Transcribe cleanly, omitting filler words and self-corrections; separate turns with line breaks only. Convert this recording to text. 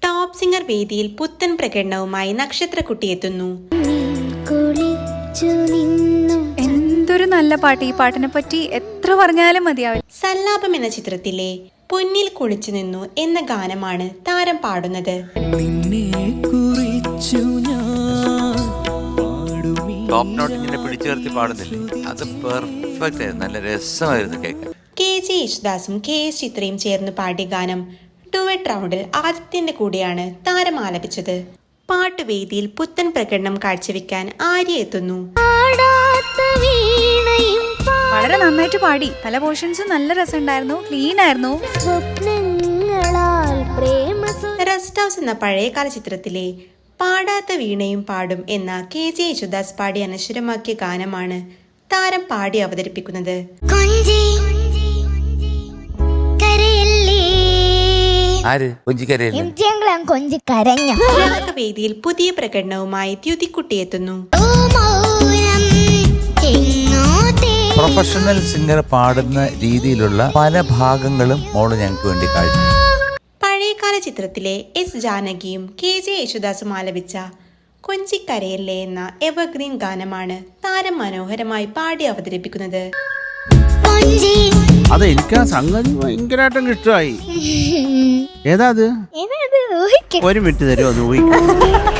Top singer വേദിയിൽ പുത്തൻ പ്രകടനവുമായി നക്ഷത്രക്കുട്ടി എത്തുന്നു.
എന്തൊരു നല്ല പാട്ട്. ഈ പാട്ടിനെ പറ്റി എത്ര പറഞ്ഞാലും മതിയാവില്ല.
സല്ലാപം എന്ന ചിത്രത്തിലെ പൊന്നിൽ കുളിച്ചു നിന്നു എന്ന ഗാനമാണ് താരം പാടുന്നത്.
ടോപ്പ് നോട്ട് ഇങ്ങനെ പിടിച്ചു നിർത്തി പാടുന്നില്ലേ, അത് പെർഫെക്റ്റ് ആയിരുന്നു, നല്ല രസമായിരുന്നു കേൾക്കാൻ.
KJ യേശുദാസും KS ചിത്രയും ചേർന്ന് പാടിയ ഗാനം ഡുവറ്റ് റൗണ്ടിൽ ആദിത്യന്റെ കൂടെയാണ് താരം ആലപിച്ചത്. പാട്ടുവേദിയിൽ പുത്തൻ പ്രകടനം കാഴ്ചവെക്കാൻ ആര്യ എത്തുന്നു.
വളരെ നന്നായിട്ട് പാടി. പല പോർഷൻസും നല്ല രസമുണ്ടായിരുന്നു, ക്ലീൻ ആയിരുന്നു.
റെസ്റ്റ് ഹൗസ് എന്ന പഴയകാല ചിത്രത്തിലെ പാടാത്ത വീണയും പാടും എന്ന KJ യേശുദാസ് പാടി അനശ്വരമാക്കിയ ഗാനമാണ് താരം പാടി അവതരിപ്പിക്കുന്നത്. വേദിയിൽ പുതിയ പ്രകടനവുമായി ദ്യുതിക്കുട്ടി എത്തുന്നു.
പ്രൊഫഷണൽ സിംഗർ പാടുന്ന രീതിയിലുള്ള പല ഭാഗങ്ങളും മോള് ഞങ്ങൾക്ക് വേണ്ടി കാഴ്ച.
പഴയകാല ചിത്രത്തിലെ S ജാനകിയും KJ യേശുദാസും ആലപിച്ച കൊഞ്ചിക്കരയല്ലേ എന്ന എവർഗ്രീൻ ഗാനമാണ് താരം മനോഹരമായി പാടി അവതരിപ്പിക്കുന്നത്.
അത് എനിക്ക് ആ സംഗതി ഭയങ്കരമായിട്ടും ഇഷ്ടമായി. ഏതാ അത്? ഒരു മിനിറ്റ് തരുമോ അത് ഊഹിക്കും.